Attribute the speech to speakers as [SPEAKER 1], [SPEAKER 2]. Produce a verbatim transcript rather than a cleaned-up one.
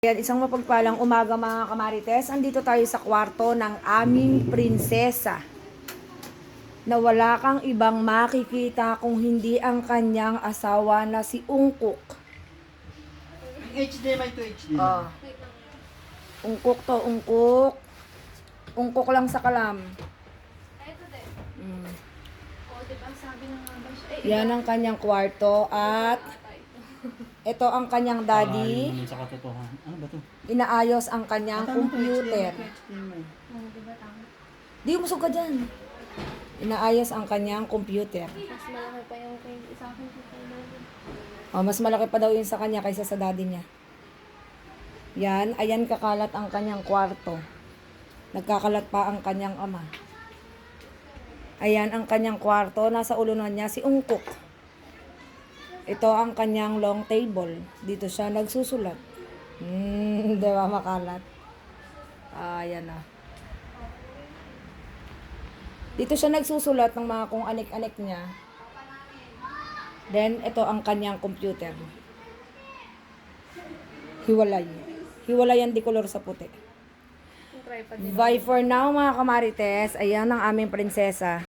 [SPEAKER 1] Ayan, isang mapagpalang umaga mga kamarites. Andito tayo sa kwarto ng aming prinsesa. Na wala kang ibang makikita kung hindi ang kanyang asawa na si Ungkok.
[SPEAKER 2] H D M I to H D M I.
[SPEAKER 1] Oh. Ungkok to, ungkok. Ungkok lang sa kalam.
[SPEAKER 3] Ito din.
[SPEAKER 1] Mm.
[SPEAKER 3] O, diba sabi na nga ba siya? Eh,
[SPEAKER 1] Yan ang kanyang kwarto at ito ang kanyang daddy.
[SPEAKER 2] Ayon sa katotohanan. Ano ba to?
[SPEAKER 1] Inaayos ang kanyang computer.
[SPEAKER 3] oh, diba tama?
[SPEAKER 1] Di umusog ka dyan. Inaayos ang kanyang computer.
[SPEAKER 3] Mas malaki pa yung kay sa akin kay kay daddy.
[SPEAKER 1] Oh, mas malaki pa daw yun sa kanya kaysa sa daddy niya. Yan, ayan kakalat ang kanyang kwarto. Nagkakalat pa ang kanyang ama. Ayan ang kanyang kwarto. Nasa ulunan niya si Ungkok. Ito ang kanyang long table. Dito siya nagsusulat. Hmm, di ba makalat? Ayan na. Dito siya nagsusulat ng mga kung anik-anik niya. Then, ito ang kanyang computer. Hiwalay. Hiwalay yan di color sa puti.
[SPEAKER 3] Yung tripod din.
[SPEAKER 1] Bye for now mga kamarites. Ayan ang aming prinsesa.